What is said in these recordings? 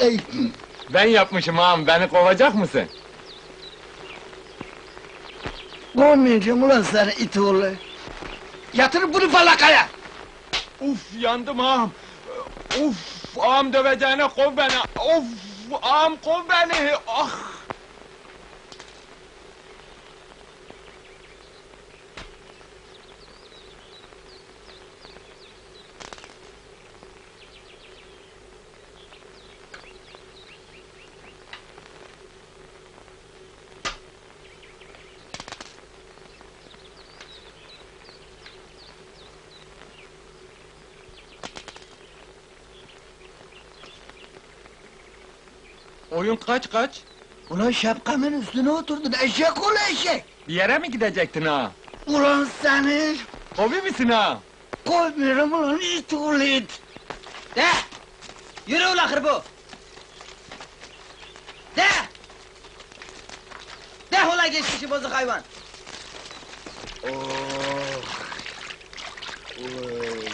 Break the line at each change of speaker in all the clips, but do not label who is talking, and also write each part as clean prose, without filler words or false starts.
Ey,
Ben yapmışım ağam, beni kovacak mısın?
kovmayacağım ulan seni it oğlu! Yatır bunu falakaya!
Uf, yandım ağam! Uf, ağam döveceğine kov beni! Of, ağam kov beni! Ah! Oyun kaç?
Ulan şapkamın üstüne oturdun, eşek oğlu eşek!
Bir yere mi gidecektin ha?
Ulan seni!
Hobi misin ha?
Koymuyorum ulan it oğlu it!
De! Yürü ulan hırbu! De! De ulan geçmişi bozuk hayvan!
Oh! Ulan!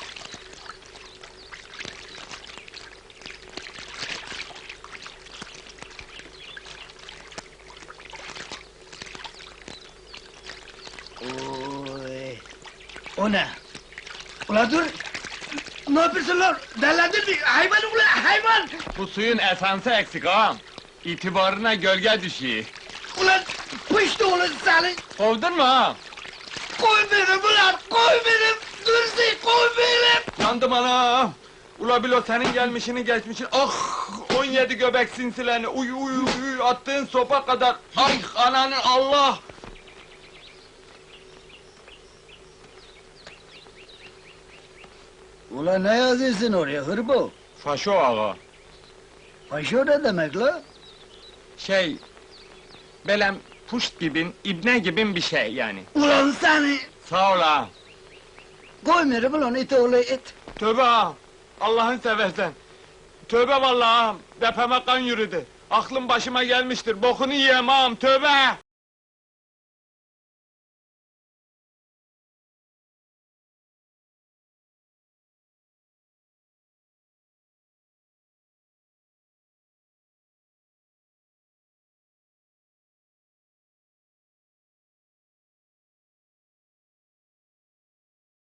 Oy! O ne? Ulan dur! Ne yapıyorsun lan? Delendin mi? Hayvan ulan hayvan!
Bu suyun esansı eksik ağam. İtibarına gölge düşüyor.
Ulan pıştı ulan seni!
Kovdun mu ha?
Koy beni ulan! Koy beni! Dursun koy beni!
Yandım anam! Ula bilo senin gelmişini geçmişini, ah! 17 göbek sinsilerini, uy, attığın sopa kadar, ay ananı Allah!
Ulan ne yazıyorsun oraya hırbo?
Faşo ağa,
Paşo ne demek la?
belem puşt gibin, ibne gibin bir şey yani.
Ulan seni!
Sağ ol ağa.
Koymuyorum ulan it oğlu it!
Tövbe ağam, Allah'ın seversen. Tövbe vallahi ağam, depeme kan yürüdü. Aklım başıma gelmiştir, bokunu yiyem ağam, tövbe!